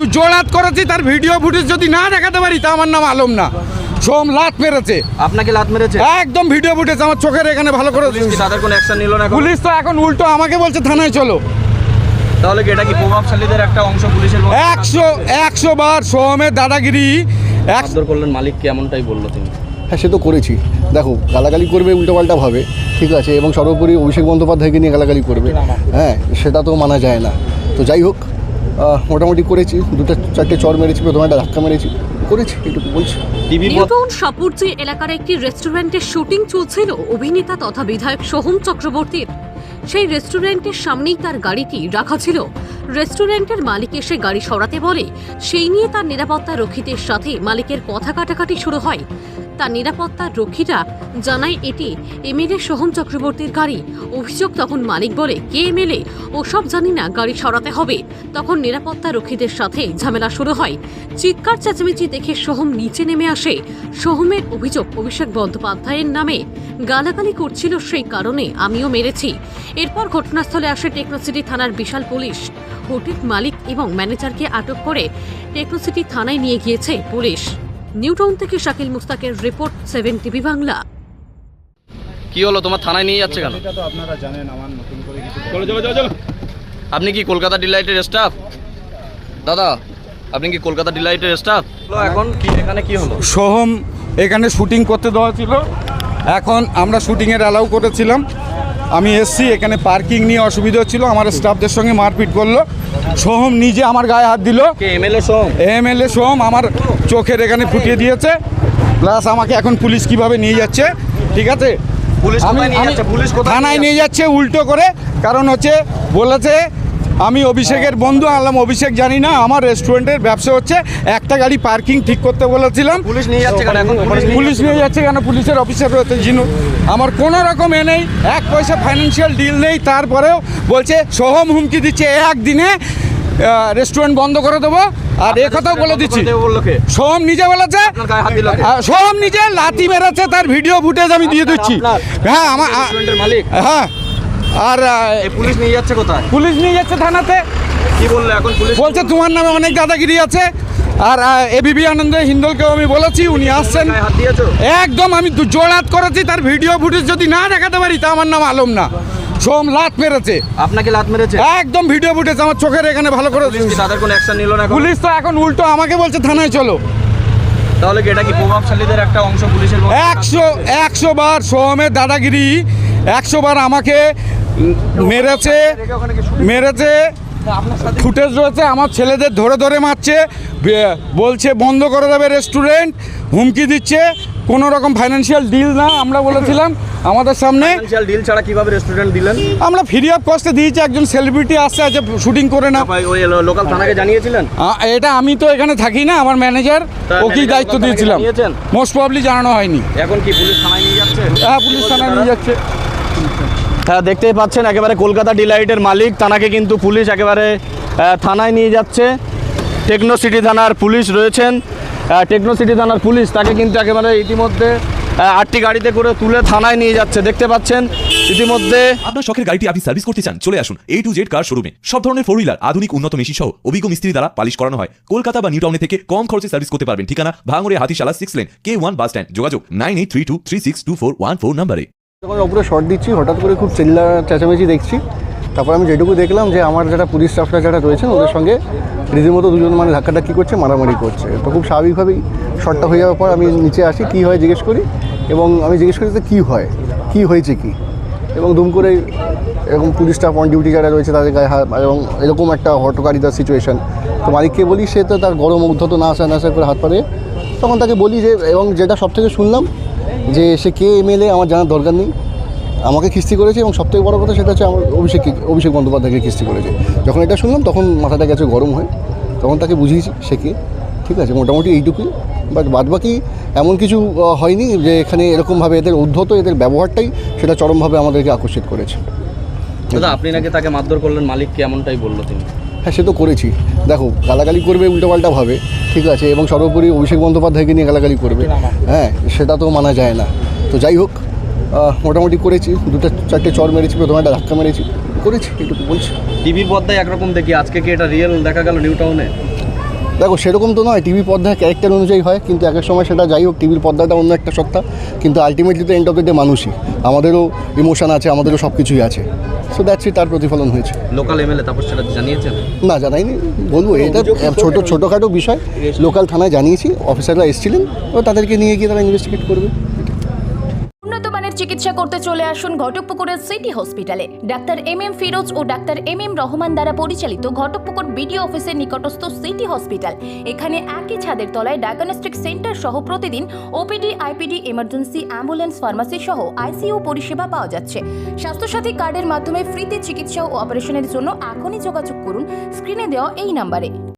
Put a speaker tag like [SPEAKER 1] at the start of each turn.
[SPEAKER 1] জোড়াত করেছি, তার video footage যদি না দেখাতে পারি তা আমার নাম আলম না। সোম লাত মেরেছে।
[SPEAKER 2] আপনাকে লাত মেরেছে?
[SPEAKER 1] একদম ভিডিও ফুটেজ আমার চোখের এখানে ভালো করে।
[SPEAKER 2] তাদের কোনো অ্যাকশন নিল না?
[SPEAKER 1] পুলিশ তো এখন উল্টো আমাকে বলছে থানায় চলো।
[SPEAKER 2] তাহলে কি এটা কি প্রভাবশালীদের একটা অংশ পুলিশের?
[SPEAKER 1] 100 বার সোহমের দাদাগিরি।
[SPEAKER 2] মারধর করলেন মালিককে, এমনটাই বললো তিনি।
[SPEAKER 3] হ্যাঁ, সে তো করেছি। দেখো, গালাগালি করবে উল্টোপাল্টা ভাবে, ঠিক আছে, এবং সর্বোপরি অভিষেক বন্দ্যোপাধ্যায়কে নিয়ে গালাগালি করবে, হ্যাঁ, সেটা তো মানা যায় না। তো যাই হোক, মোটামুটি করেছি, 2-4টে চর মেরেছি, প্রথমে একটা ধাক্কা মেরেছি, করেছি, একটু বলছি।
[SPEAKER 4] নিউটাউন সাপুরজি এলাকার একটি রেস্টুরেন্টের শুটিং চলছিল অভিনেতা তথা বিধায়ক সোহম চক্রবর্তীর। সেই রেস্টুরেন্টের সামনেই তার গাড়িটি রাখা ছিল। রেস্টুরেন্টের মালিক এসে গাড়ি সরাতে বলে, সেই নিয়ে তার নিরাপত্তা রক্ষীদের সাথে মালিকের কথা কাটাকাটি শুরু হয়। তার নিরাপত্তা রক্ষীরা জানায় এটি এমএলএ সোহম চক্রবর্তীর গাড়ি। অভিযোগ তখন মালিক বলে, কে এমএলএ? ওসব জানি না, গাড়ি সরাতে হবে। তখন নিরাপত্তা রক্ষীদের সাথে ঝামেলা শুরু হয়। চিৎকার চেঁচামেচি দেখে সোহম নিচে নেমে আসে। সোহমের অভিযোগ, অভিষেক বন্দ্যোপাধ্যায়ের নামে গালাগালি করছিল, সেই কারণে আমিও মেরেছি। এরপর ঘটনাস্থলে আসে টেকনোসিটি থানার বিশাল পুলিশ। হোটেল মালিক এবং ম্যানেজারকে আটক করে টেকনোসিটি থানায় নিয়ে গিয়েছে পুলিশ। নিউটাউন থেকে শাকিল মুস্তাকের রিপোর্ট, 7 টিভি বাংলা।
[SPEAKER 2] কি হলো, তোমার থানায় নিয়ে যাচ্ছে কেন?
[SPEAKER 5] এটা তো আপনারা জানেন, আমার নতুন করে কিছু।
[SPEAKER 2] চলো। আপনি কি কলকাতা ডিলাইটের স্টাফ? দাদা, আপনি কি কলকাতা ডিলাইটের স্টাফ? এখন কি এখানে কি হলো?
[SPEAKER 1] সোহম এখানে শুটিং করতে দেওয়া ছিল, এখন আমরা শুটিংয়ের অ্যালাউ করেছিলাম। আমি এসছি, এখানে পার্কিং নিয়ে অসুবিধা হচ্ছিল, আমার স্টাফদের সঙ্গে মারপিট করলো। সোহম নিজে আমার গায়ে হাত দিল। এমএলএ সোহম আমার চোখের এখানে ফুটিয়ে দিয়েছে, প্লাস আমাকে এখন পুলিশ কিভাবে নিয়ে যাচ্ছে, ঠিক আছে, থানায় নিয়ে যাচ্ছে উল্টো করে। কারণ হচ্ছে বলেছে আমি অভিষেকের বন্ধু। আনলাম অভিষেক জানি না, আমার রেস্টুরেন্টের ব্যবসা হচ্ছে, একটা গাড়ি পার্কিং ঠিক করতে বলেছিলাম।
[SPEAKER 2] পুলিশ নিয়ে যাচ্ছে কেন? এখন
[SPEAKER 1] পুলিশ নিয়ে যাচ্ছে কেন? পুলিশের অফিসার রয়েছে জিনু, আমার কোনো রকম নেই, 1 পয়সা ফাইন্যান্সিয়াল ডিল নেই। তারপরেও বলছে সোহম হুমকি দিচ্ছে একদিনে রেস্টুরেন্ট বন্ধ করে দেবো। আর এ কথাও বলে দিচ্ছি, সোহম নিজে বলেছে, সোহম নিজে লাথি মেরেছে, তার ভিডিও ফুটেজ আমি দিয়ে দিচ্ছি। হ্যাঁ, আমার
[SPEAKER 2] মালিক।
[SPEAKER 1] হ্যাঁ, আর
[SPEAKER 2] পুলিশ নিয়ে যাচ্ছে কোথায়?
[SPEAKER 1] পুলিশ নিয়ে যাচ্ছে থানাতে।
[SPEAKER 2] কি বললো এখন পুলিশ?
[SPEAKER 1] বলছে তোমার নামে অনেক দাদাগিরি আছে। আর এবিপি আনন্দ হিন্দলকেও আমি বলেছি, উনি আসছেন। একদম আমি জোড়াত করেছি, তার ভিডিও ফুটেজ যদি না দেখাতে পারি তা আমার নাম আলম না। সোম লাত মেরেছে।
[SPEAKER 2] আপনাকে লাত মেরেছে?
[SPEAKER 1] একদম ভিডিও ফুটেজ আমার চোখের এখানে ভালো করে।
[SPEAKER 2] তাদের কোনো অ্যাকশন নিল না?
[SPEAKER 1] পুলিশ তো এখন উল্টো আমাকে বলছে থানায় চলো।
[SPEAKER 2] তাহলে কি এটা কি প্রভাবশালীদের একটা অংশ পুলিশের?
[SPEAKER 1] 100 বার সোহমের দাদাগিরি, 100 বার আমাকে মেরেছে। ফুটেজ রয়েছে, আমার ছেলেদের ধরে ধরে মারছে, বলছে বন্ধ করে দেবে রেস্টুরেন্ট, হুমকি দিচ্ছে। কোনো রকম ফাইন্যান্সিয়াল ডিল না, আমরা বলেছিলাম আমাদের সামনে।
[SPEAKER 2] ফাইন্যান্সিয়াল ডিল ছাড়া কিভাবে রেস্টুরেন্ট দিলেন?
[SPEAKER 1] আমরা ফ্রি অফ কস্টে দিয়েছি, একজন সেলিব্রিটি আসছে, আছে শুটিং করে না।
[SPEAKER 2] ওই লোকাল থানাকে জানিয়েছিলেন?
[SPEAKER 1] এটা আমি তো এখানে থাকি না, আমার ম্যানেজার, ওকেই দায়িত্ব দিয়েছিলাম। মোস্ট প্রবাবলি জানানো হয়নি।
[SPEAKER 2] এখন কি পুলিশ থানায় নিয়ে যাচ্ছে?
[SPEAKER 1] হ্যাঁ, পুলিশ থানায় নিয়ে যাচ্ছে।
[SPEAKER 2] হ্যাঁ, দেখতেই পাচ্ছেন একেবারে কলকাতা ডিলাইটের মালিক, তানাকে কিন্তু পুলিশ একেবারে থানায় নিয়ে যাচ্ছে। টেকনোসিটি থানার পুলিশ রয়েছেন, টেকনোসিটি থানার পুলিশ তাকে কিন্তু একেবারে ইতিমধ্যে 8টি গাড়িতে করে তুলে থানায় নিয়ে যাচ্ছে। দেখতে পাচ্ছেন ইতিমধ্যে।
[SPEAKER 6] আপনার শখের গাড়িটি আপনি সার্ভিস করতে চান, চলে আসুন A to Z কার শোরুমে। সব ধরনের 4 হুইলার, আধুনিক উন্নত মেশিন সহ অভিজ্ঞ মিস্ত্রি দ্বারা পালিশ করানো হয়। কলকাতা বা নিউটাউনে থেকে কম খরচে সার্ভিস করতে পারবেন। ঠিকানা ভাঙড়ে হাতিশালা 6 লেন K1 বাস স্ট্যান্ড। যোগাযোগ 9832362414 নম্বরে।
[SPEAKER 3] যখন ওপরে শর্ট দিচ্ছি, হঠাৎ করে খুব চিল্লা চেঁচামেচি দেখছি। তারপর আমি যেটুকু দেখলাম যে আমার যারা পুলিশ স্টাফরা যারা রয়েছেন ওদের সঙ্গে রীতিমতো দুজন মানে ধাক্কাধাক্কি করছে, মারামারি করছে। তো খুব স্বাভাবিকভাবেই শর্টটা হয়ে যাওয়ার পর আমি নিচে আসি, কী হয় জিজ্ঞেস করি, এবং আমি জিজ্ঞেস করি যে কী হয়, কী হয়েছে কী, এবং দুম করে এরকম পুলিশ স্টাফ অন ডিউটি যারা রয়েছে তাদের গায়ে হাত, এবং এরকম একটা হটকারিতার সিচুয়েশান। তো মালিককে বলি, সে তো তার গরম উদ্ধত না আসা করে হাত পারে। তখন তাকে বলি যে, এবং যেটা সব থেকে শুনলাম যে সে কে এমএলএ আমার জানার দরকার নেই, আমাকে খিস্তি করেছে, এবং সবথেকে বড় কথা সেটা হচ্ছে আমার অভিষেক বন্দ্যোপাধ্যায়কে খিস্তি করেছে। যখন এটা শুনলাম তখন মাথাটা গেছে গরম হয়ে, তখন তাকে বুঝিয়েছি সে কে, ঠিক আছে, মোটামুটি এইটুকুই। বাট বাদবাকি এমন কিছু হয়নি যে এখানে এরকমভাবে এদের উদ্ধত, এদের ব্যবহারটাই সেটা চরমভাবে আমাদেরকে আকর্ষিত করেছে।
[SPEAKER 2] দাদা, আপনি নাকি তাকে মারধর করলেন মালিককে, এমনটাই বললো তিনি।
[SPEAKER 3] হ্যাঁ, সে তো করেছি। দেখো, গালাগালি করবে উল্টোপাল্টা ভাবে, ঠিক আছে, এবং সর্বোপরি অভিষেক বন্দ্যোপাধ্যায়কে নিয়ে গালাগালি করবে, হ্যাঁ, সেটা তো মানা যায় না। তো যাই হোক, মোটামুটি করেছি, 2-4টে চর মেরেছি, প্রথমে একটা ধাক্কা মেরেছি, করেছি, একটু বলছি।
[SPEAKER 2] টিভির পর্দায় একরকম দেখি, আজকে কি এটা রিয়েল দেখা গেল নিউটাউনে?
[SPEAKER 3] দেখো সেরকম তো নয়, টিভি পর্দায় ক্যারেক্টার অনুযায়ী হয়, কিন্তু এক এক সময় সেটা যাই হোক, টিভির পর্দাটা অন্য একটা সত্তা, কিন্তু আলটিমেটলি তো এন্ড অফ দ্য ডে মানুষই, আমাদেরও ইমোশন আছে, আমাদেরও সব কিছুই আছে। সো দ্যাটস ইট, তার প্রতিফলন হয়েছে।
[SPEAKER 7] লোকাল এমএলএ তারপর সেটা জানিয়েছেন?
[SPEAKER 3] না জানাইনি, বলবো এটা ছোটোখাটো বিষয়, লোকাল থানায় জানিয়েছি, অফিসাররা এসেছিলেন, ও তাদেরকে নিয়ে গিয়ে তারা ইনভেস্টিগেট করবে।
[SPEAKER 8] উন্নত মানের চিকিৎসা করতে চলে আসুন ঘটকপুকুরের city hospital. Doctor MM Firoz ও ডাক্তার MM রহমান দ্বারা পরিচালিত ঘটকপুকুর বিডিও অফিসের নিকটস্থ সিটি হসপিটাল। এখানে একই ছাদের তলায় ডায়াগনস্টিক সেন্টার সহ প্রতিদিন OPD, IPD, emergency, ambulance, pharmacy সহ ICU পরিষেবা পাওয়া যাচ্ছে। স্বাস্থ্যসাথী কার্ডের মাধ্যমে ফ্রিতে চিকিৎসা ও অপারেশনের জন্য এখনই যোগাযোগ করুন স্ক্রিনে দেওয়া এই নাম্বারে।